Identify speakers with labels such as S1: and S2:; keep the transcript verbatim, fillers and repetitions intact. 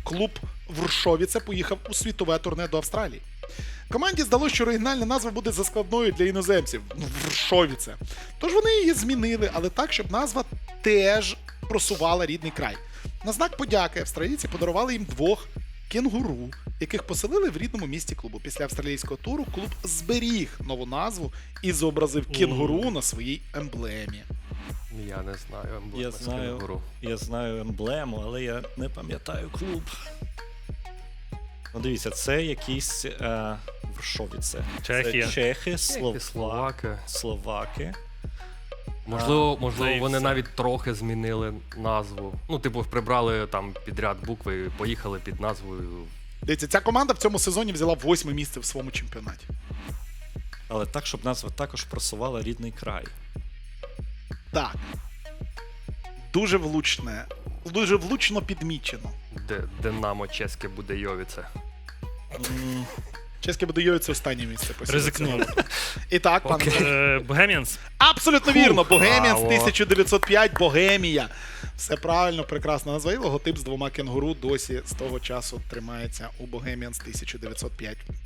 S1: клуб Вршовіце поїхав у світове турне до Австралії. Команді здалося, що оригінальна назва буде заскладною для іноземців – ну, Вршовіце. Тож вони її змінили, але так, щоб назва теж просувала рідний край. На знак подяки австралійці подарували їм двох кенгуру, яких поселили в рідному місті клубу. Після австралійського туру клуб зберіг нову назву і зобразив кенгуру на своїй емблемі.
S2: Я не знаю емблеми
S3: Я
S2: з
S3: знаю,
S2: кенгуру.
S3: я знаю емблему, але я не пам'ятаю клуб. Ну дивіться, це якісь е, Вршовіце.
S4: Чехія.
S3: Це чехи, слов...
S2: Які словаки.
S3: словаки.
S2: Можливо, можливо,
S4: це і
S2: вони
S4: все.
S2: навіть трохи змінили назву. Ну, типу, прибрали там підряд букви і поїхали під назвою.
S1: Дивіться, ця команда в цьому сезоні взяла восьме місце в своєму чемпіонаті.
S3: Але так, щоб назва також просувала рідний край.
S1: Так. Дуже влучне. Дуже влучно підмічено.
S2: Де Динамо Чеське Будейовіце.
S3: М,
S1: Чеське Будойові це останнє місце. після
S4: Ризикнув.
S1: цього. І так, пане.
S2: Окей.
S4: Е, Богеміанс.
S1: Абсолютно вірно. Богеміанс
S2: браво.
S1: тисяча дев'ятсот п'ять, Богемія. Все правильно, прекрасна назва. І логотип з двома кенгуру досі з того часу тримається у Богеміанс тисяча дев'ятсот п'ять.